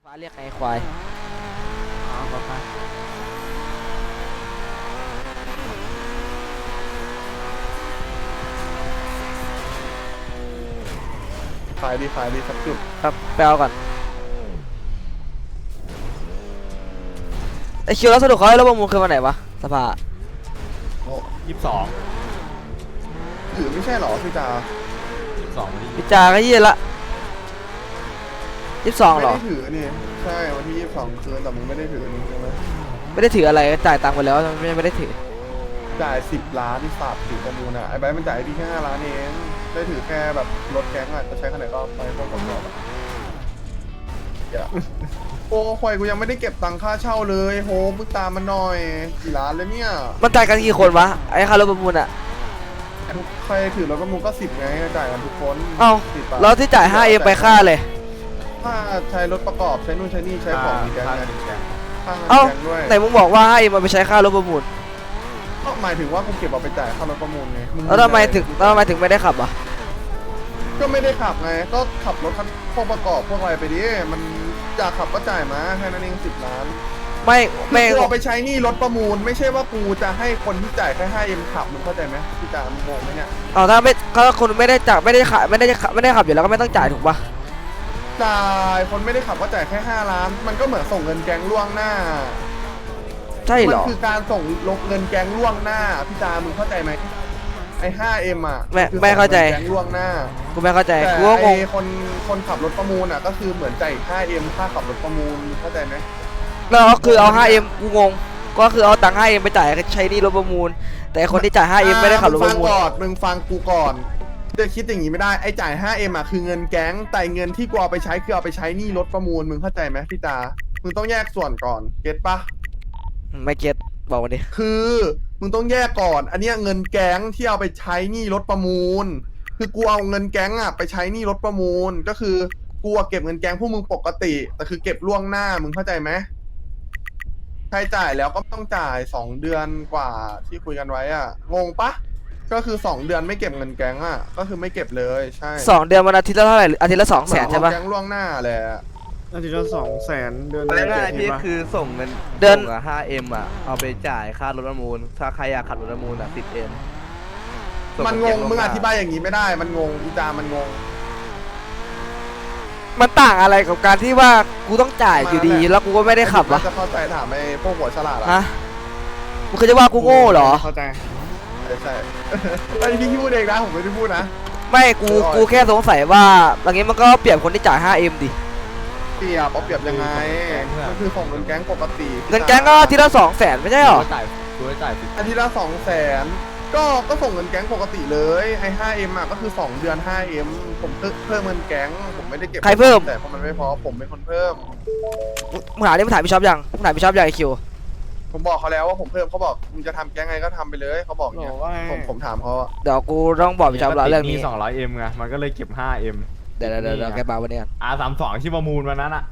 ฟ้าเรียกไงควายอ๋อป๊าป๊าขายดีสักจุดครับไปเอาก่อนไอคิวแล้วสรุปเขาให้รถประมูลคือวันไหนวะสภาโอ้ 22 ถือไม่ใช่หรอพี่จา 22วันที่พิจาก็ยี่ละ22หรอไม่ได้ถือนี่ใช่วันที่22คืนแต่มึงไม่ได้ถือนี่ใช่ไหมไม่ได้ถืออะไรจ่ายตังค์ไปแล้วไม่ได้ถือจ่าย10 ล้านที่ฝากถือประมูลอ่ะไอ้ใบมันจ่ายพี่แค่5 ล้านเองได้ถือแค่แบบรถแก๊งอ่ะจะใช้ขนาดก็ไปพวกประกอบอ่ะอย่าโอ้ควายกูยังไม่ได้เก็บตังค่าเช่าเลยโหมึงตามมันหน่อยกี่ล้านเลยเนี่ยมันจ่ายกันกี่คนวะไอ้ค่ารถประมูลอ่ะใครถือรถประมูลก็10ไงจ่ายกันทุกคนเอ้า 10 บาทแล้วที่จ่าย5เอ็มไปค่าเลยถ้าใช้รถประกอบใช้นู่นใช้นี่ใช้ของมีแก๊งไงค่าเงินเอ้าแก๊งด้วยไหนมึงบอกว่า5เอ็มมาไปใช้ค่ารถประมูลก็หมายถึงว่ากูเก็บเอาไปจ่ายค่ารถประมูลไงงแล้วทำไมถึงไม่ได้ขับอ่ะก็ไม่ได้ขับไงก็ขับรถคันพวกประกอบพวกอะไรไปดิมันอยากขับก็จ่ายมาแค่นั้นเอง10 ล้านไม่กูเอาไปใช้หนี่รถประมูลไม่ใช่ว่ากูจะให้คนที่จ่ายแค่5Mขับมึงเข้าใจไหมพี่จ่ามึงงงไหมเนี่ยเอาถ้าคนไม่ได้จ่ายไม่ได้ขับอยู่แล้วก็ไม่ต้องจ่ายถูกปะจ่ายคนไม่ได้ขับก็จ่ายแค่5 ล้าน มันก็เหมือนส่งเงินแก๊งล่วงหน้าใช่เหมัรอคือการส่งลงเงินแก๊งล่วงหน้าพี่จ่ามึงเข้าใจไหมไอ้ 5M อ่ะไม่เข้าใจแก๊งล่วงหน้ากูไม่เข้าใจแต่กูก็งงไอ้คนขับรถประมูลอ่ะก็คือเหมือนจ่าย 5M ค่าขับรถประมูลเข้าใจไหมแล้วก็คือเอา 5M กูงงก็คือเอาตังค์ 5M ไปจ่ายใช้หนี่รถประมูลแต่คนที่จ่าย 5M ไม่ได้ขับรถประมูลมึงฟังกูก่อนจะคิดอย่างนี้ไม่ได้ไอ้จ่าย 5M อ่ะคือเงินแก๊งแต่เงินที่กูเอาไปใช้คือเอาไปใช้หนี่รถประมูลมึงเข้าใจไหมพี่ตามึงต้องแยกส่วนก่อนเก็ตปะไม่เก็ตบอกมาดิคือมึงต้องแยกก่อนอันเนี้ยเงินแก๊งที่เอาไปใช้หนี่รถประมูลคือกูเอาเงินแก๊งอ่ะไปใช้หนี่รถประมูลก็คือกูเก็บเงินแก๊งพวกมึงปกติแต่คือเก็บล่วงหน้ามึงเข้าใจไหมใครจ่ายแล้วก็ต้องจ่าย2 เดือนกว่าที่คุยกันไว้อ่ะงงปะก็คือ2 เดือนไม่เก็บเงินแก๊งอ่ะก็คือไม่เก็บเลยใช่ 2 เดือนมันอาทิตย์ละเท่าไหร่อาทิตย์ละ200,000ใช่ปะแก๊งล่วงหน้าแหละอาทิตย์ละ200,000เดือนง่ายๆพี่คือส่งเงินเดือนส่ง5M อ่ะเอาไปจ่ายค่ารถประมูลถ้าใครอยากขับรถประมูลอ่ะ 10M มันงงมึงอธิบายอย่างนี้ไม่ได้มันงงอีจามันงงมันต่างอะไรกับการที่ว่ากูต้องจ่ายอยู่ดีแล้วกูก็ไม่ได้ขับวะจะเข้าใจถามไอ้พวกหัวฉลาดฮะมึงเคยจะว่ากูโง่เหรอเข้าใจใช่ไอ้พี่พูดเองนะผมไม่ได้พูดนะไม่กูแค่สงสัยว่าอย่างงี้มันก็เปรียบคนที่จ่าย 5M ดิเปรียบเอาเปรียบยังไงมันคือของเงินแก๊งปกติเงินแก๊งก็อาทิตย์ละ200,000ไม่ใช่หรอกูจะจ่ายอาทิตย์ละ200,000ก็ส่งเงินแก๊งปกติเลยไอ้ 5M อ่ะก็คือ2 เดือน 5M ผมเพิ่มเงินแก๊งผมไม่ได้เก็บใครเพิ่มแต่พอมันไม่พอผมเป็นคนเพิ่มมึงถามพี่ช็อปยังมึงถามพี่ช็อปยังไอคิวผมบอกเขาแล้วว่าผมเพิ่มเขาบอกมึงจะทำแก๊งไงก็ทำไปเลยเขาบอกเนี่ยบอกว่าผมถามเขาอะเดี๋ยวกูต้องบอกพี่ช็อปแล้วเรื่องนี้ 200M ไงมันก็เลยเก็บ 5M เดี๋ยวแกมาวันนี้กัน R32 ที่ประมูลวันนั้นอ่ะ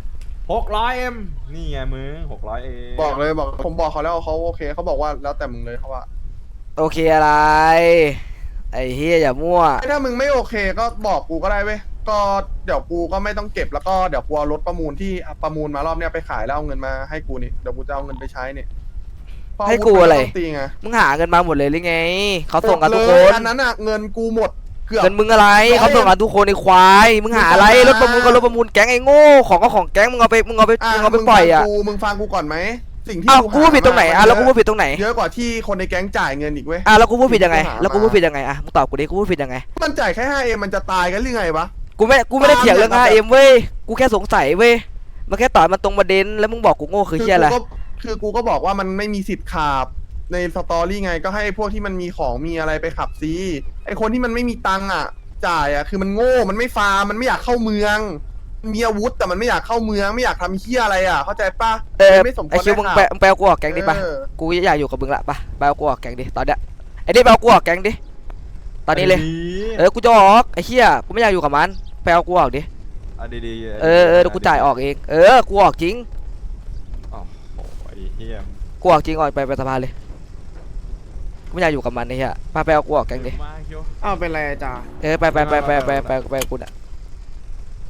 600M นี่ไงมึง 600M บอกผมบอกเขาแล้วเขาโอเคเขาบอกว่าแล้วแต่มึงเลยเขาว่าโอเคอะไรไอ้เฮียอย่ามั่วถ้ามึงไม่โอเคก็บอกกูก็ได้เว้ยก็เดี๋ยวกูก็ไม่ต้องเก็บแล้วก็เดี๋ยวกูเอารถประมูลที่ประมูลมารอบเนี้ยไปขายแล้วเอาเงินมาให้กูนี่เดี๋ยวกูจะเอาเงินไปใช้นี่เพาให้กูอะไราวุธมันต้งตีไงมึงหาเงินมาหมดเลยหรือไงเขาส่งกันทุกคเลยนอันนั้นอะเงินกูหมดเกือบเงินมึงอะไรเขาส่งกันทุกคนในควายมึงหาอะไรรถประมูลก็รถประมูลแก๊งไอ้โง่ของก็ของแก๊งมึงเอาไปปล่อยอ่ะมึงฟังกูก่อนไหมสิ่งที่อ้าวกูพูดผิดตรงไหนอ่ะแล้วกูพูดผิดตรงไหนเยอะกว่าที่คนในแก๊งจ่ายเงินอีกเว้ยอ่ะแล้วกูพูดผิดยังไงแล้วกูพูดผิดยังไงอ่ะมึงตอบกูดิกูพูดผิดยังไงมันจ่ายแค่ 5M มันจะตายกันหรือไงวะกูไม่ได้เถียงเรื่อง 5M เว้ยกูแค่สงสัยเว้ยมันแค่ต่อยมันตรงประเด็นแล้วมึงบอกกูโง่คือเฮียอะไรคือกูก็บอกว่ามันไม่มีสิทธิ์ขับในสตอรี่ไงก็ให้พวกที่มันมีของมีอะไรไปขับซีไอคนที่มันไม่มีตังค์อ่ะจ่ายอ่ะคือมันโง่มันไม่ฟาร์มมันไม่อยากเข้าเมืองมันมีอาวุธแต่มันไม่อยากเข้าเมืองไม่อยากทำเฮี้ยอะไรอ่ะเข้าใจปะไม่สมควรไอคิวมึงไปเอากูออกแก๊งดิปะกูอยากอยู่กับมึงละปะไปเอากูออกแก๊งดิตอนเนี้ยไอ้นี่ไปเอากูออกแก๊งดิตอนนี้เลยกูจะออกไอ้เฮียกูไม่อยากอยู่กับมันไปเอากูออกดิเอาดีๆเดี๋ยวกูจ่ายออกเองกูออกจริงโอ้โหไอ้เหี้ยกูออกจริงออกไปสภาเลยกูไม่อยากอยู่กับมันไอ้เฮียไปเอากูออกแก๊งดิมาคิวอ้าวเป็นไรจ้าไปกูน่ะ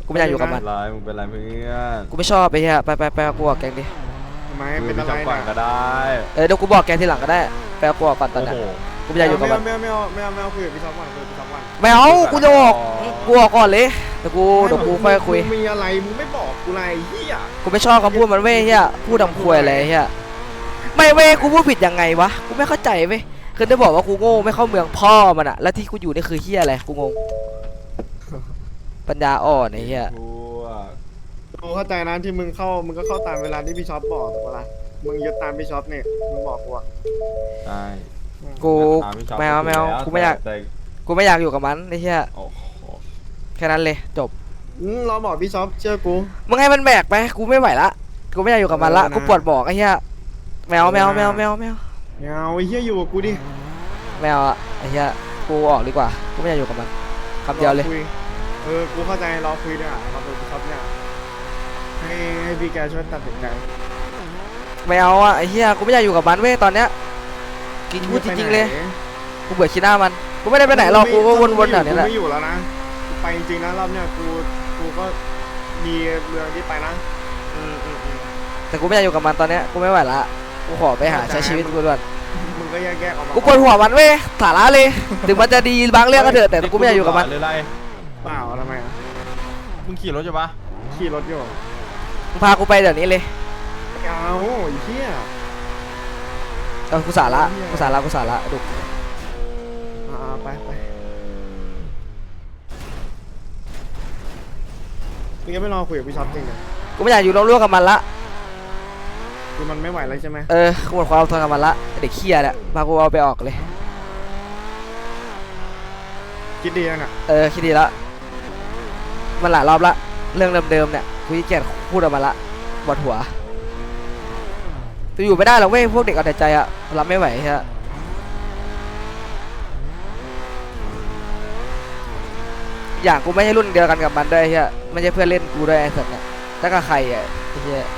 กูไม่อยากอยู่กับมันไรมึงเป็นไรเพื่อนกูไม่ชอบไอ้เหี้ยไปเอากูออกแก๊งดิทำไมเป็เป็น นอะอะไร ไรก่อนนะก็ได้เดี๋ยวกูบอกแกทีหลังก็ได้ไปเอากูออกก่อนตอนโอ้เนี้ยโหกูไม่อยากอยู่กับมันไม่เอาคุยกับพี่ช็อปก่อนคุยกับพี่ช็อปก่อนไม่เอากูจะออกกูออกก่อนเลยเดี๋ยวกูค่อยคุยมึงมีอะไรมึงไม่บอกกูอะไรเฮียกูไม่ชอบคำพูดมันเว้ยเฮียพูดดำควยอะไรเฮียไม่เว้ยกูพูดผิดยังไงวะกูไม่เข้าใจเว้ยคือได้บอกว่ากูโง่ไม่เข้าเมืองพ่อมันอะแล้วที่กูอยู่นี่คือเฮียอะไรกูงงปัญญาอ่อนไอ้เฮียพวกกูเข้าใจนะที่มึงก็เข้าตามเวลาที่พี่ช็อปบอกถูกปะล่ะมึงยึดตามพี่ช็อปเนี่ยมึงบอกกูอะใช่กูไม่เอากูไม่อยากแต่กูไม่อยากอยู่กับมันไอ้เฮียโอ้โหแค่นั้นเลยจบเราบอกพี่ช็อปเชื่อกูมึงให้มันแบกไปกูไม่ไหวละกูไม่อยากอยู่กับมันละกูปวดบอกไอ้เฮียแมวเอาไอ้เฮียอยู่กับกูดิแมวอะไอ้เฮียกูออกดีกว่ากูไม่อยากอยู่กับมันคำเดียวเลยรอคุกูเข้าใจเราคุยด้วยอะเราเป็นพี่ช็อปเนี่ยให้พี่แกช่วยตัดสินใจไม่เอาอะไอ้เหี้ยกูไม่อยากอยู่กับมันเว้ยตอนเนี้ยกินพูดจริงๆเลยกูเบื่อขี้หน้ามันกูไม่ได้ไปไหนหรอกกูก็วนๆแถวนี้แหละกูไม่อยู่แล้วนะกูไปจริงๆนะรอบเนี้ยกูก็มีเรื่องที่ไปนะแต่กูไม่อยากอยู่กับมันตอนเนี้ยกูไม่ไหวละกูขอไปหาใช้ชีวิตกูด่วนมึงก็แยกออกมากูปวดหัวมันเว้ยสาระเลยถึงมันจะดีบางเรื่องก็เถอะแต่กูไม่อยากอยู่กับมันหรืออะไรเปล่าทำไมอะมึงขี่รถใช่ปะขี่รถอยู่มึงพากูไปเดี๋ยวนี้เลยเอาไอ้เหี้ยกูสาระดุไปมึงยังไม่รอคุยกับพี่ช็อปจริงเหรอกูไม่อยากอยู่ร่วมกับมันละคือมันไม่ไหวแล้วใช่ไหมกูหมดความอดทนกับมันละเด็กเคี้ยเนี่ยพากูเอาไปออกเลยคิดดียังอ่ะคิดดีละมันหลายรอบละเรื่องเดิมๆเนี่ยกูขี้เกียจพูดออกมาละปวดหัวจะอยู่ไม่ได้หรอกเว้ยพวกเด็กเอาแต่ใจอะรับไม่ไหวฮะอย่างกูไม่ใช่รุ่นเดียวกันกับมันด้วยเฮียไม่ใช่เพื่อนเล่นกูด้วยไอ้สัตว์เนี่ยถ้ากับใครอ่ะไอ้เฮีย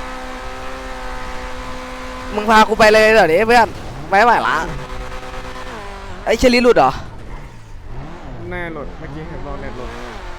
มึงพากูไปเลยเดี๋ยวนี้เพื่อนไม่ไหวละไอ้เชลีหลุดเหรอแน่หลุดเมื่อกี้เห็นเราเน็ตหลุด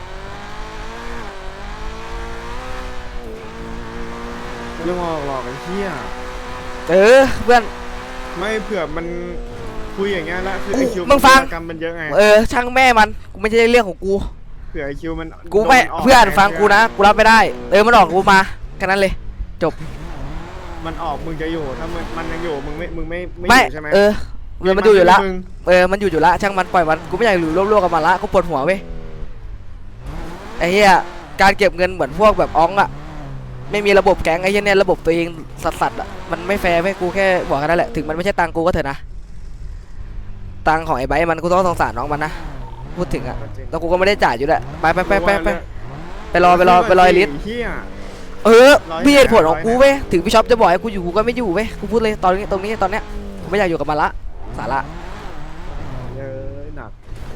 เรื่องหลอกไอ้เหี้ยเพื่อนไม่เผื่อมันคุยอย่างเงี้ยแล้วคือไอคิวมึงฟังกรรมมันเยอะไงช่างแม่มันกูไม่ใช่เรื่องของกูเผื่อไอคิวมันกูไม่โดกเพื่อนฟังกูนะกูรับไม่ได้มันออกกูมาแค่นั้นเลยจบมันออกมึงจะอยู่ถ้ามันยังอยู่มึงไม่อไม่ยู่ใช่ไหมมันอยู่ละมึงมันอยู่ละช่างมันปล่อยมันกูไม่อยากอยู่ร่วมๆกับมันละกูปวดหัวเว้ยไอ้เหี้ยการเก็บเงินเหมือนพวกแบบอ้องอะไม่มีระบบแก๊งไอ้เหี้ยเนี่ยระบบตัวเองสัตว์อะมันไม่แฟร์เว้ยกูแค่บอกแค่นั้นแหละถึงมันไม่ใช่ตังกูก็เถอะนะตังของไอ้ไบร์ทมันกูต้องสงสารน้องมันนะพูดถึงอะแล้วกูก็ไม่ได้จ่ายอยู่ด้วยไปรอไอ้ลิสเหี้ยมีเหตุผลของกูเว้ยถึงพี่ช็อปจะบอกให้กูอยู่กูก็ไม่อยู่เว้ยกูพูดเลยตรงนี้ตอนเนี้ยกูไม่อยากอยู่กับมันละสาระเยอะหนัก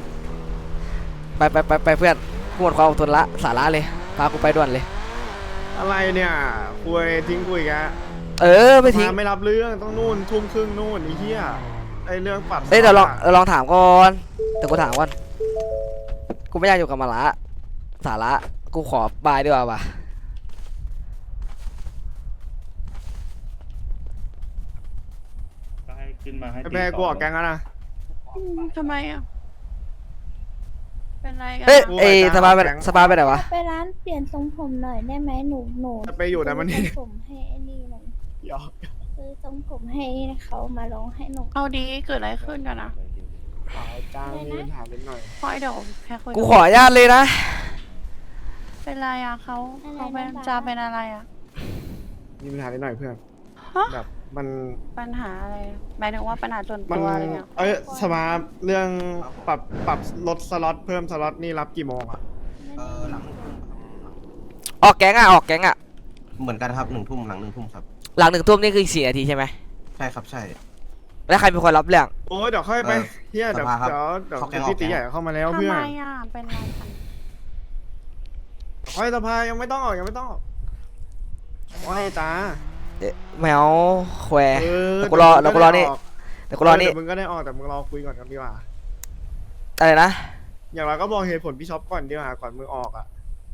ไปเพื่อนกูหมดความอดทนละสาระเลยพากูไปด่วนเลยอะไรเนี่ยคุยทิ้งคุยแกไม่ทิ้งไม่รับเรื่องต้องนู่นทุ่มครึ่งนู่นไอ้เหี้ยไอ้เรื่องปรับเดี๋ยวลองถามก่อนแต่กูถามก่อนกูไม่อยากอยู่กับมันละสาระกูขอบายดีกว่าว่ะขึ้นมาให้ไอ้แพ้กูออกแกงแล้วนะทำไมอ่ะ เป็นไรกันเฮ้ยกูไอ้ไปสบายไปแก๊งสบายไปไหนวะไปร้านเปลี่ยนทรงผมหน่อยได้ไหมหนูจะไปอยู่แต่มันนี่ซื้อทรงผมให้ไอ้นี่หน่อยหยอกซื้อทรงผมให้เขามาลองให้หนูเอาดีเกิดอะไรขึ้นกันนะจ้างมีปัญหาเล็กหน่อยพอยเดี๋ยวแค่คุยกูขออนุญาตเลยนะเป็นไรอ่ะเขาเป็นจะเป็นอะไรอ่ะมีปัญหาเล็กหน่อยเพื่อนฮะแบบมันปัญหาอะไรหมายถึงว่าปัญหาส่วนมันตัวอะไรเงี้ยสมาร์ทเรื่องปรับลดสล็อตเพิ่มสล็อตนี่รับกี่โมงอ่ะออกแก๊งอะเหมือนกันครับ1 ทุ่มหลัง1 ทุ่มครับหลัง1 ทุ่มนี่คืออีก4 นาทีใช่ไหมใช่ครับใช่แล้วใครเป็นคนรับเรื่องโอ้ยเดี๋ยวค่อยไปเฮียเดี๋ยวสภาครับเดี๋ยวเข้าแก๊งพี่ตีใหญ่เข้ามาแล้วทำเพื่อไมนอ่ะเป็นไรกันค่อยสภายังไม่ต้องออกว่าให้จ้าแมวแควเออแต่กูรอนี่ แต่กูรอนี่เดี๋ยวมึงก็ได้ออกแต่มึงรอคุยก่อนกันดีกว่าอะไรนะอย่างไรก็บอกเหตุผลพี่ช็อปก่อนดีกว่าก่อนมึงออกอ่ะ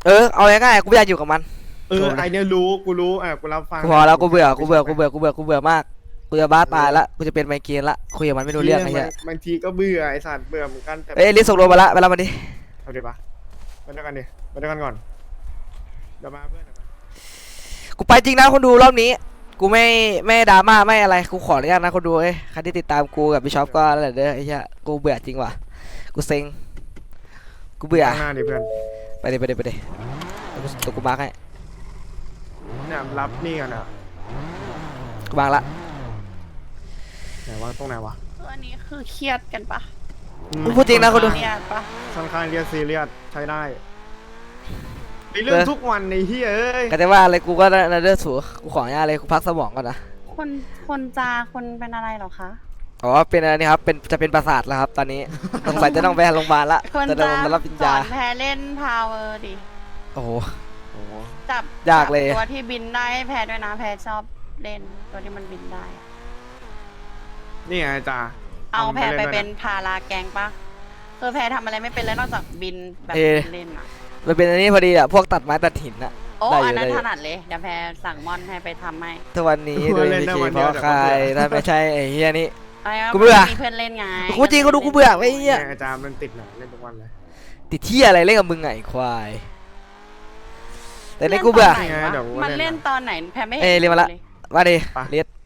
เอาง่ายๆกูไม่อยากอยู่กับมันไอเนี่ยรู้กูรู้กูรับฟังกูพอแล้วกูเบื่อกูเบื่อมากกูจะบ้าตายละกูจะเป็นไมเกรนละคุยกับมันไม่รู้เรื่องไอ้เหี้ยบางทีก็เบื่อไอสัตว์เบื่อเหมือนกันแต่เอ้ยลิสส่งโลมาละไปรับมันดิเอาดิปะไปด้วยกันดิไปด้วยกันก่อนเดี๋ยวมาเพื่อนเดี๋ยวมากูไปจริงนะคนดูรอบนี้กูไม่ดราม่าไม่อะไรกูขออนุญาตนะคนดูเอ้ยใครที่ติดตามกูกับพี่ช็อปก็นั่นแหละเด้อไอ้เหี้ยกูเบื่อจริงว่ะกูเซ็งกูเบื่อข้างหน้าดิเพื่อนไปดิตัวกูมาร์คให้เนี่ยรับนี่กันนะกูมาร์คละไหนวะตรงไหนวะคืออันนี้คือเครียดกันปะกูพูดจริงนะคนดูเครียดปะค่อนข้างเรียกซีเรียสใช้ได้ไอเรื่องทุกวันในที่เอ้ยก็จะว่าอะไรกูก็นั่นเด้อสูกูขออนุญาตเลยกูพักสมองก่อนนะคนคนเป็นอะไรเหรอคะอ๋อเป็นอะไรนี่ครับจะเป็นประสาทแล้วครับตอนนี้สงสัยจะต้องไปโรงพยาบาลละคนจะจะต้องมารับปริญสญาอนแพรเล่นพาวเวอร์ดิโอ้โหจับยากเลยตัวที่บินได้ให้แพรด้วยนะแพรชอบเล่นตัวที่มันบินได้อะนี่ไงจ้าเอาแพรไปเป็นพาราแกงปะคือแพรทำอะไรไม่เป็นเลยนอกจากบินแบบเล่นอ่ะมันเป็นอันนี้พอดีอ่ะพวกตัดไม้ตัดหินอ่ะโอ้ได้อยู่อันนั้นได้อยู่ถนัดเลยเดี๋ยวแพรสั่งมอนให้ไปทำให้ทุกวันนี้โดยวิธีเพราะใครถ้าไม่ใช่ไอ้เฮียนี่อะไรวะกูเบื่อมีเพื่อนเล่นไงกูจริงก็ดูกูเบื่อไอ้เฮียอาจารย์มันติดหนังเล่นทุกวันเลยติดที่อะไรเล่นกับมึงไงควายแต่ในกูเบื่อล่นตนไหนวะมันเล่นตอนไหนแพรไม่เอ้ยเรียนมาละ มาดิเลียด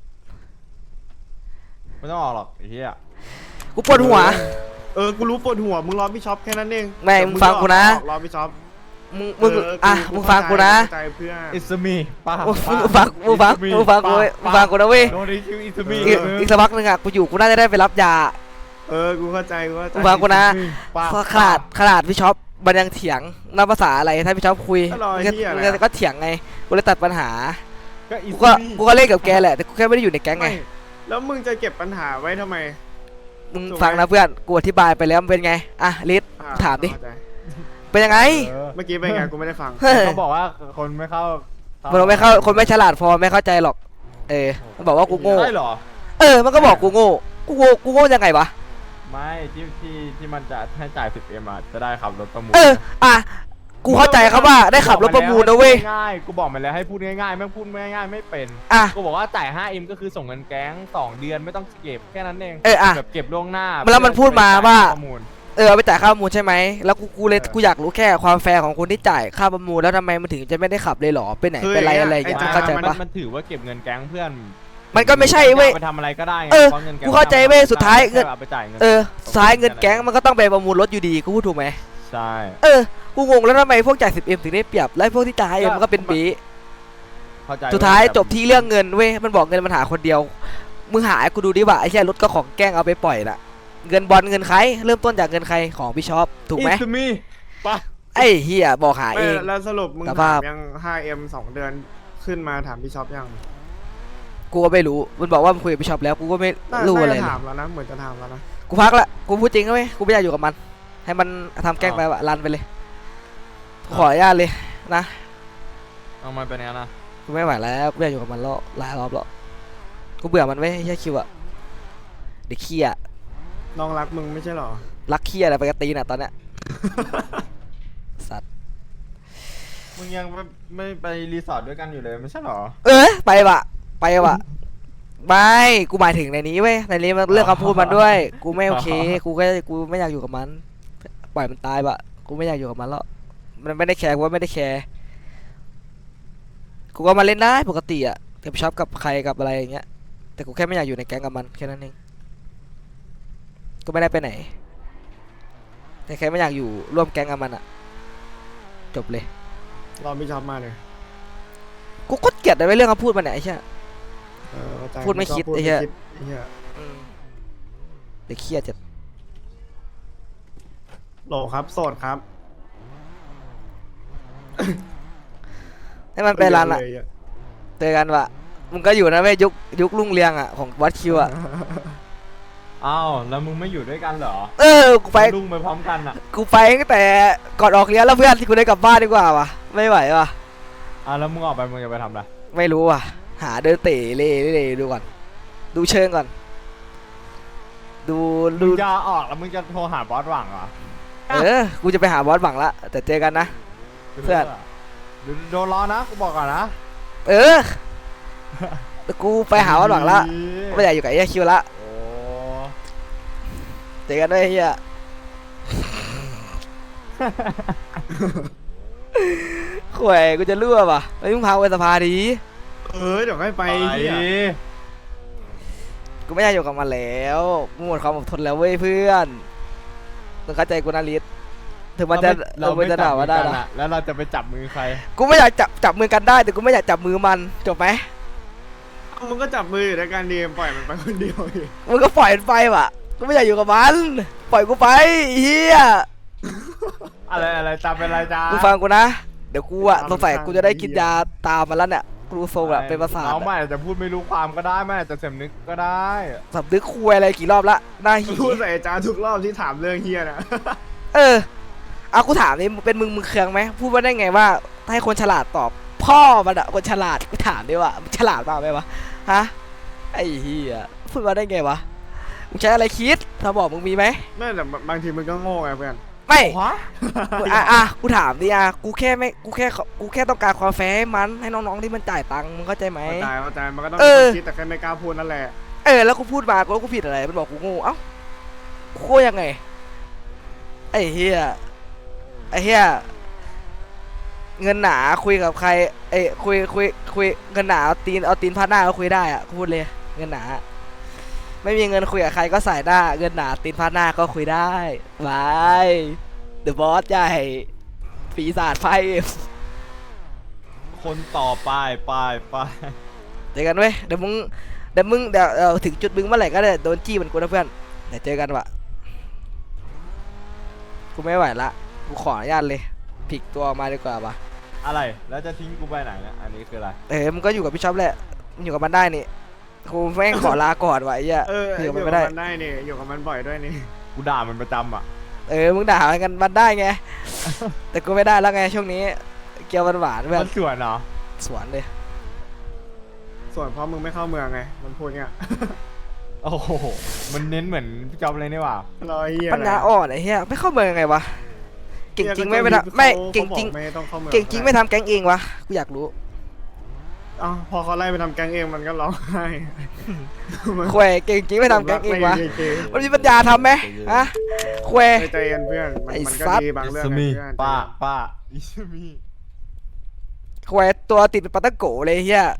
ไม่ต้องออกหรอกไอ้เหี้ยกูปวดหัวกูรู้ปวดหัวมึงรอพี่ช็อปแค่นั้นเองไม่มึงฟังกูนะรอพี่ช็อปมึงมึงฟังกูนะเข้าใจเพื่อนอิสมีป้ามึงฟังกูนะเว้ยโดนดิคิวอิสมีอีกสักพักนึงอ่ะกูอยู่กูน่าจะได้ไปรับยากูเข้าใจกูเข้าใจมึงฟังกูนะขนาดพี่ช็อปมันยังเถียงนับภาษาอะไรถ้าพี่ช็อปคุยก็เถียงไงกูเลยตัดปัญหาก็อิสกูก็เล่นกับแกแหละแต่กูแค่ไม่ได้อยู่ในแก๊งไงแล้วมึงจะเก็บปัญหาไว้ทำไมมึงฟังนะเพื่อนกูอธิบายไปแล้วมันเป็นไงอ่ะลิศถามดิเป็นยังไงเมื่อกี้เป็นไงกูไม่ได้ฟังเขาบอกว่าคนไม่เข้ามันไม่เข้าคนไม่ฉลาดพอไม่เข้าใจหรอกมันบอกว่ากูโง่ได้เหรอมันก็บอกกูโง่ยังไงวะไม่ที่มันจะให้จ่าย 10M อ่ะจะได้ขับรถประมูลกูเข้าใจครับว่าได้ขับรถประมูลนะเว้ยง่ายกูบอกมันแล้วให้พูดง่ายๆแม่งพูดง่ายๆไม่เป็น กูบอกว่าจ่าย 5M ก็คือส่งเงินแก๊ง2 เดือนไม่ต้องเก็บแค่นั้นเองแบบเก็บล่วงหน้าแล้วมันพูดมาว่าประมูลเอาไปจ่ายค่าประมูลใช่ไหมแล้วกูอยากรู้แค่ความแฟร์ของคนที่จ่ายค่าประมูลแล้วทำไมมันถึงจะไม่ได้ขับเลยหรอไปไหนไปไรอะไรอย่างเงี้ยเข้าใจปะมันถือว่าเก็บเงินแก๊งเพื่อนมันก็ไม่ใช่เว้ยไปทำอะไรก็ได้ไงกูเข้าใจเว้ยสุดท้ายเงินเอาไปจ่ายเงินสุดท้ายเงินแก๊งมันก็ต้องไปประมูลรถอยู่ดีกูพูดถูกไหมใช่กูงงแล้วทำไมพวกจ่าย 10M ถึงได้เปรียบแล้วพวกที่จ่าย 5M มันก็เป็นบีเข้าใจสุดท้ายจบที่เรื่องเงินเว้ยมันบอกเงินมันหาคนเดียวมึงหาให้กูดูดิว่าไอ้แค่รถก็ของแกล้งเอาไปปล่อยน่ะเงินบอลเงินใครเริ่มต้นจากเงินใครของพี่ช็อปถูกไหม It's me ปะไอ้เฮียบอกหาเองแล้วสรุปมึงสถาภาพมยัง 5M 2 เดือนขึ้นมาถามพี่ช็อปยังกูก็ไม่รู้มันบอกว่ามันคุยกับพี่ช็อปแล้วกูก็ไม่รู้อะไรน่าเลจะยถามแล้วนะเหมือนจะถามแล้วนะกูพักละกูพูดจริงเว้ยกูไม่อยากอยู่กับมัน ให้มันทำแกล้งไปวะรันไปเลยขออนุญาตเลยนะเอามาเป็นไงนะกูไม่ไหวแล้วกูไม่อยากอยู่กับมันแล้วหลายรอบแล้วกูเบื่อมันเว้ยไอ้เฮียคิวอะเด็กขี้อะน้องรักมึงไม่ใช่หรอรักขี้อะไรไปกระตีน่ะตอนเนี้ยสัตว์มึงยังไม่ไปรีสอร์ทด้วยกันอยู่เลยไม่ใช่หรอไปวะไม่กูหมายถึงในนี้เว้ยในนี้มันเรื่องคำพูดมันด้วย กูไม่โอเคกูไม่อยากอยู่กับมันปล่อยมันตายบะกูไม่อยากอยู่กับมันแล้วมันไม่ได้แคร์กูว่าไม่ได้แคร์กูก็มาเล่นได้ปกติอะกับช็อปกับใครกับอะไรอย่างเงี้ยแต่กูแค่ไม่อยากอยู่ในแก๊งกับมันแค่นั้นเองก็ไม่ได้ไปไหนแต่แค่ไม่อยากอยู่ร่วมแก๊งกับมันอะจบเลยรอพี่ช็อปมาเลยกูก็เกลียดในเรื่องคำพูดมันเนี่ยไอ้เชี่ยเข้าใจพูดไม่คิดพูไอ้เหี้ยไอ้เหี้ยเด็กเคียดจัดโหลครับโสดครับให้มันไปร้านละเลยเจอกันวะมึงก็อยู่นะเว้ยยุครุ่งเรืองอ่ะของวัดคิวอ่ะอ้าวแล้วมึงไม่อยู่ด้วยกันเหรอกูไปลุงไปพร้อมกันอ่ะกูไปตั้งแต่ก่อนออกเรียนแล้วเพื่อนที่กูได้กลับบ้านดีกว่าวะไม่ไหววะแล้วมึงออกไปมึงจะไปทำอะไรไม่รู้ว่ะหาเดินเตะเล่ดูก่อนดูเชิงก่อนดูมึงจะออกแล้วมึงจะโทรหาบอสหวังเหรอกูจะไปหาบอสหวังละแต่เจอกันนะเพื่อนโดนล้อนะกูบอกก่อนนะเออแต่กูไปหาวันหวังละไม่อยากอยู่กับไอ้คิวละโอ้เจอกันด้วยไอ้เฮียข่วยกูจะรั่วป่ะไอ้ยมึงพาไปสภาดีเดี๋ยวให้ไปไปเหี้ยกูไม่อยากอยู่กับมันแล้วกูหมดความอดทนแล้วเว้ยเพื่อนมึงเข้าใจกูนะลิศถึงมันจะเรามันไม่จะจัด่าบมืว่าอได้กันนะอะแล้วเราจะไปจับมือใครกูไม่อยากจับมือกันได้แต่กูไม่อยากจับมือมันจบไหมมึงก็จับมืออยู่ในการดีมปล่อยมันไปคนเดียวดิมึงก็ปล่อยมันไปว่ะกูไม่อยากอยู่กับมันปล่อยกูไปเฮียอะไรตามเป็นไรจ้ากูฟังกูนะเดี๋ยวกูอะสงสัยกูจะได้กินยาตามมันแล้วเนี่ยกูรู้ทรงอะเป็นประสาทน้องอะมันอาจจะพูดไม่รู้ความก็ได้มันอาจจะเสำนึกก็ได้สำนึกคุยอะไรกี่รอบละหน้าหีพูดใส่อาจารย์ทุกรอบที่ถามเรื่องเฮียนะเออเอากูถามนี่เป็นมึงเคืองไหมพูดว่าได้ไงว่าให้คนฉลาดตอบพ่อมันอะคนฉลาดกูถามดิว่ามึงฉลาดเปล่าไหมวะฮะไอ้เหี้ยพูดว่าได้ไงวะมึงใช้อะไรคิดถ้าบอกมึงมีไหมไม่แต่บางทีมึงก็โง่ไงเพื่อนไม่วะกูถามดิกูแค่ต้องการความแฟร์ให้มันให้น้องๆที่มันจ่ายตังค์มึงเข้าใจไหมเข้าใจมันก็ต้องเออคิดแต่แค่ไม่กล้าพูดนั่นแหละแล้วกูพูดมากูผิดอะไรมันบอกกูโง่เอ้ากูโง่ยังไงไอ้เหี้ยเงินหนาคุยกับใครคุยเงินหนาเอาตีนพาดหน้าก็คุยได้อะกูพูดเลยเงินหนาไม่มีเงินคุยกับใครก็ใส่หน้าเงินหนาตีนพาดหน้าก็คุยได้บายเดอะบอสใหญ่ปีศาจไฟคนต่อไปเจอกันเว้ยเดี๋ยวถึงจุดมึงเมื่อไหร่ก็ได้โดนจี้เหมือนกูนะเพื่อนเดี๋ยวเจอกันวะกูไม่ไหวละกูขออนุญาตเลยพลิกตัวออกมาดีกว่าปะอะไรแล้วจะทิ้งกูไปไหนเนี่ยอันนี้คืออะไรมึงก็อยู่กับพี่ช็อปแหละมึงอยู่กับมันได้นี่กูแม่งขอลาก่อนวะไอ้เหี้ยออยู่ยู่กับกัมันบไม่ได้มันได้นี่อยู่กับมันบ่อยด้วยนี่กูด่ามันประจำอ่ะมึงด่ากันมันได้ไง แต่กูไม่ได้แล้วไงช่วงนี้เกียวหวานๆเพื่อมัน นสวนเหรอสวนเลยส่วนเพราะมึงไม่เข้าเมืองไงมันพูดเงี้ยโอ้โหมันเน้นเหมือนพี่จ๊อบเลยนี่หว่ารอเฮียปัญญาอ่อนไอ้เหี้ยไม่เข้าเมืองยังไงวะเก่งจริงไม่ทำไม่เก่งจริงไม่ต้องเข้าเมืองเก่งจริงไม่ทำแก๊งเองวะกูอยากรู้อ้าวพอเขาไล่ไปทำแก๊งเองมันก็ร้องไห้ควยเก่งจริงไม่ทำแก๊งเองวะ มันมีปัญญาทำไหมฮะควยใจเย็นเพื่อนมันไอ้มันก็สัตว์ดีบางเรื่องอิสนะมีเพื่อนป้าอิสมีควยตัวติดเป็นปาตะโกเลยเฮีย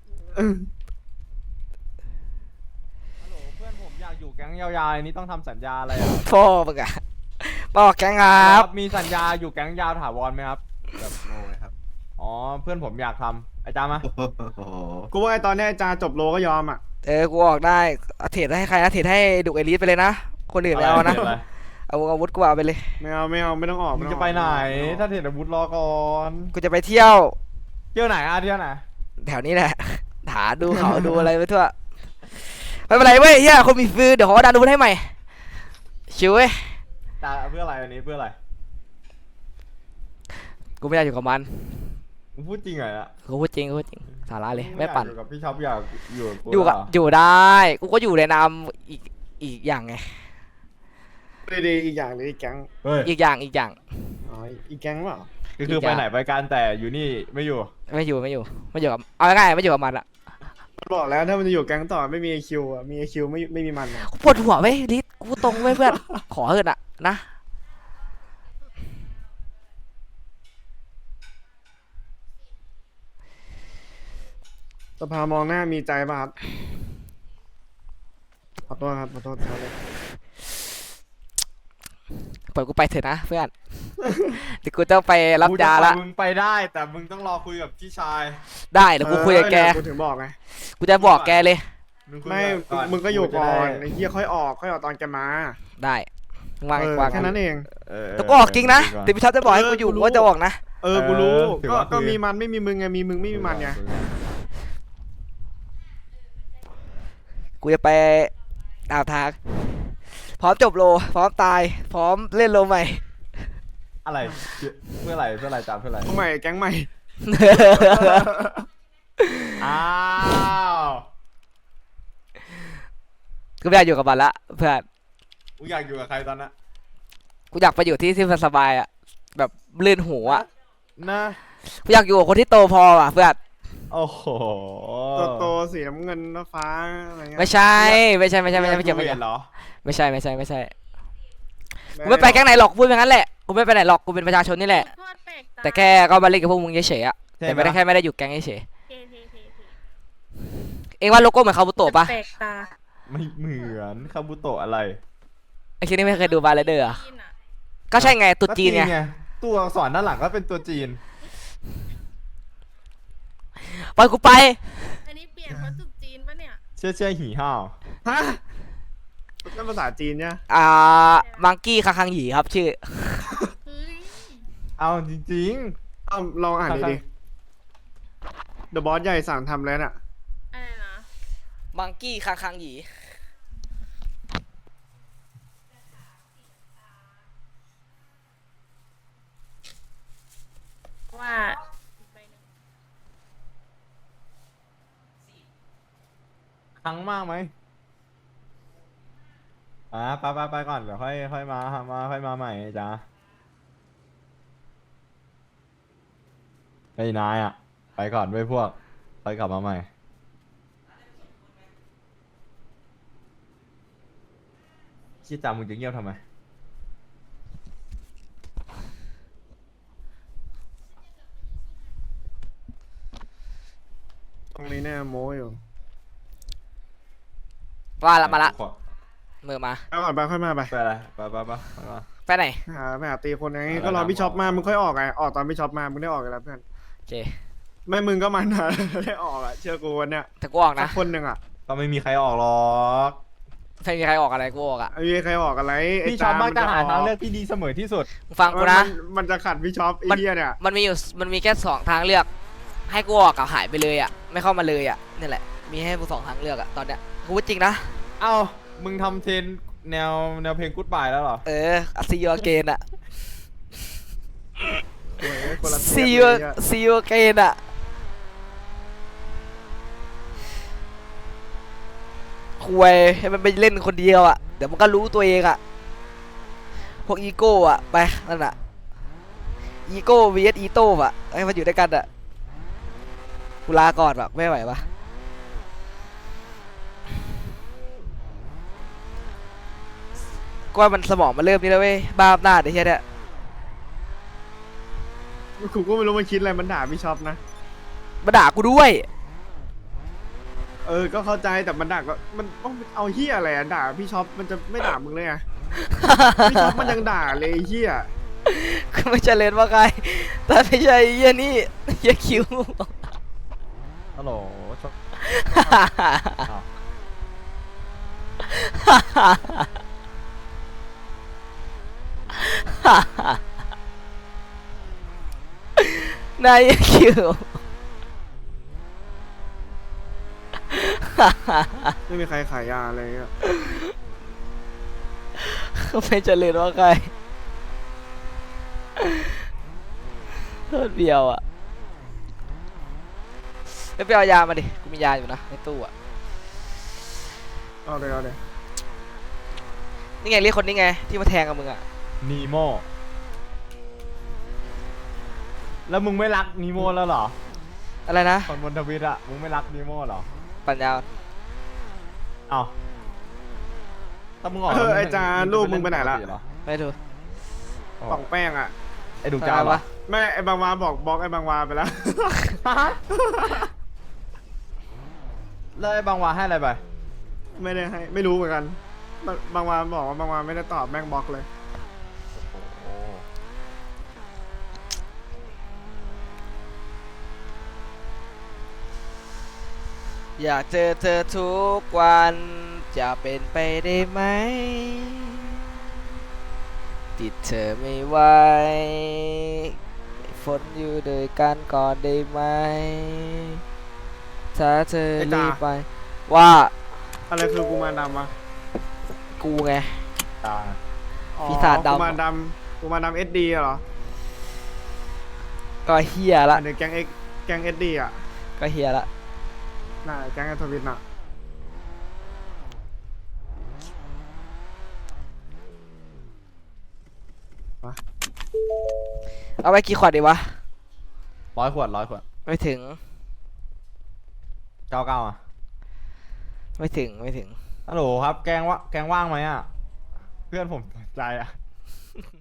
ฮัลโหลเพื่อนผมอยากอยู่แก๊งยาวๆอันนี้ต้องทำสัญญาอะไรอ่ะพ่อมึงอะบอกแก๊งครับมีสัญญาอยู่แก๊งยาวถาวรไหมครับแบบโง่ไหมครับอ๋อเพื่อนผมอยากทำอาจารย์มาโอ้โหกูว่าไอ้ตอนนี้อาจารย์จบโลก็ยอมอ่ะกูออกได้เทรดให้ใครนะเทรดให้ดุเอลิสไปเลยนะคนอื่นไม่เอานะอะไรเอาอาวุธกูเอาไปเลยไม่เอาไม่ต้องออกมึงต้จะออกไปไหน ถ้าเห็นอาวุธรอก่อนกูจะไปเที่ยวเที่ยวไหนเที่ยวไหนแถวนี้แหละหาดูเขาดูอะไรไปทั่วไม่เป็นไรเว้ยเฮียคนมีฟืนเดี๋ยวขอดันอาวุธให้ใหม่ชิวเว้ยตาเพื่ออะไรอันนี้เพื่ออะไรกูไม่อยากอยู่กับมันมึงพูดจริงเหรอเนี่ยกูพูดจริงสาระเลยไม่ปั่นอยู่กับพี่ช็อปอยากอยู่กับกูอยู่กับเหรอยู่ได้กูก็อยู่ในนามอีกอย่างไงดีๆอีกอย่างหรืออีกแก๊งเฮ้ยอีกอย่างอ๋ออีกแก๊งเปล่าก็คือไปไหนไปกันแต่อยู่นี่ไม่อยู่ไม่อยู่กับเอาง่ายๆไม่อยู่กับมันละมันบอกแล้วถ้ามันจะอยู่แก๊งต่อไม่มีไอคิวอ่ะมีไอคิวไม่มีมันอะกูปวดหัวเว้ยลิศกูตรงเว้ยเพื่อน ขอเถอะนะสภามองหน้ามีใจป่ะครับขอโทษครับขอโทษครับปล่อยกูไปเถอะนะเพื่อน เดี๋ยวกูต้องไปรับยาละมึงไปได้แต่มึงต้องรอคุยกับพี่ชายได้เดี๋ยวกูคุยกับแกกูถึงบอกไงกูจะบอกแกเลยคุยไม่ก่อนมึงก็อยู่ก่อนจะได้ไอ้เหี้ยค่อยออกตอนแกมาได้วางแค่นั้นเองแต่กูออกจริงนะแต่พี่ท็อปจะบอกให้กูอยู่กูก็จะออกนะกูรู้ถือว่าก็คุยมีมันไม่มีมึงไงมีมึงไม่มีมันไงกูจะไปดาวทางพร้อมจบโลพร้อมตายพร้อมเล่นโลใหม่อะไรเพื่ออะไรจำเพื่ออะไรใหม่แก๊งใหม่อ้าวกูไม่อยากอยู่กับมันละเพื่อนมึงอยากอยู่กับใครตอนนั้นกูอยากไปอยู่ที่มันสบายอ่ะแบบลื่นหูอ่ะนะกูอยากอยู่กับคนที่โตพอว่ะเพื่อนโอ้โหโตสีน้ำเงินฟ้าอะไรเงี้ยไม่ใช่ไม่เกี่ยวไม่เกี่ยวเหรอไม่ใช่กูไม่ไปแก๊งไหนหรอกพูดอย่างนั้นแหละกูไม่ไปไหนหรอกกูเป็นประชาชนนี่แหละ แต่แค่ก็มาเล่นกับพวกมึงเฉยๆอะแต่ไม่ได้แค่ไม่ได้อยู่แก๊งเฉยๆเองว่าโลโก้เหมือนคาบุโตะปะแปลกตาไม่เหมือนคาบุโตะอะไรไอ้คิดนี่ไม่เคยดูบาร์เรเดอร์อะก็ใช่ไงตุ๊จีนไงตัวอักษรด้านหลังก็เป็นตัวจีนปล่อยกูไปอันนี้เปลี่ยนเพราะจุดจีนปะเนี่ยเชื่อหีห่าวฮะนั่นภาษาจีนเนี่ยมังกี้คาคังหยีครับชื่อเฮ้ยเอาจริงเอาลองอ่านดิเดอะบอสใหญ่สั่งทำแล้วน่ะอะไรนะมังกี้คาคังหยีว่าๆครั้งมากไหมไปก่อนเดี๋ยวค่อยมาค่อยมาใหม่จ้าไอ้นายอ่ะไปก่อนด้วยพวกค่อยกลับมาใหม่ชี้จามึงจะเงียบทำไมตรงนี้แน่โม้อยู่ว่าละมาละมือมาไปก่อนไปค่อยมาไปไปอะไรไปไปไหนไปหาตีคนไงก็รอพี่ช็อปมามึงค่อยออกไงออกตอนพี่ช็อปมามึงได้ออกกันแล้วเพื่อนโอเคไม่มึงก็มันนะ ได้ออกอ่ะเชื่อกูวันเนี้ยแต่กูออกสันะกคนหนึ่งอ่ะก็ไม่มีใครออกหรอกไม่มีใครออกอะไรกูออกอะไม่มีใครออกอะไรไอ้พี่ชอบมักจะหาทางเลือกกที่ดีเสมอที่สุดมึงฟังกูนะมันจะขัดพี่ช็อปไอ้เหี้ยเนี่ยมันมีแค่2ทางเลือก ให้กูออกกับหายไปเลยอะไม่เข้ามาเลยอะนี่แหละมีให้กู2ทางเลือกอะตอนเนี้ยกูพูดจริงนะเอ้ามึงทำเทรนแนวเพลงกู๊ดบายแล้วเหรอ see you again อะโอ้ยคนละเที see ย you บเลยเนี่ย see you again อะคุยให้มันไปเล่นคนเดียวอะเดี๋ยวมันก็รู้ตัวเองอะพวกอีโก้อะไปนั่นอะอีโก้ vs อีโต้อะให้มันอยู่ด้วยกันอะกูลาก่อนแบบไม่ไหวปะก็ว่ามันสมองมันเริ่มนี่แล้วเว้ยบ้าอำนาจไอ้เหี้ยเนี่ยกูก็ไม่รู้มันคิดอะไรมันด่าพี่ช็อปนะมาด่ากูด้วยก็เข้าใจแต่มันด่าก็มันต้องเอาเหี้ยอะไรอะด่าพี่ช็อปมันจะไม่ด่ามึงเลยไงพี่ช็อปมันยังด่าเลยไอ้เหี้ยก็ไม่ใช่เลนว่าใครแต่ไม่ใช่ไอ้เหี้ยนี่เหี้ยคิวฮัลโหลชอบอ้าวนายคิวไม่มีใครขายยาอะไรเงี้ยก็ไม่เจริญว่าใครโทษเบียวอ่ะไม่ไปเอายามาดิกูมียาอยู่นะในตู้อ่ะเอาเลยนี่ไงเรียกคนนี้ไงที่มาแทงกับมึงอ่ะนีโมแล้วมึงไม่รักนีโมแล้วเหรออะไรนะคนบนทวิตอะมึงไม่รักนีโมเหรอปัญญาอ่อนเอ้าถ้ามึงออกไอ้จาลูกมึงไปไหนละไม่ดูป่องแป้งอ่ะไอ้ดูจ้าอะไรปะวะแม่ไอ้บางวาบอกบล็อกไอ้บางวาไปแล้วแล้วไอ้บางวาให้อะไรไปไม่ได้ให้ไม่รู้เหมือนกันบางวาบอกว่าบางวาไม่ได้ตอบแม่งบล็อกเลยอยากเจอเธอทุกวันจะเป็นไปได้ไหมติดเธอไม่ไหวฝนอยู่ด้วยกันก่อนได้ไหมถ้าเธอไอ้ตารีบไปว่าอะไรคือกูมารดำวะกูไงตาอ๋อปีศาจดำกูมารดำSD เหรอก็เฮียละเดี๋ยวแก๊ง SD อ่ะก็เฮียละน่าแก๊งไอทวิตน่ะเอาไปกี่ขวดดีวะ 100 ขวด 100 ขวดไม่ถึง 99อ่ะไม่ถึงไม่ถึงฮัลโหลครับแกงว่างไหมอ่ะเพื่อนผมสนใจอ่ะ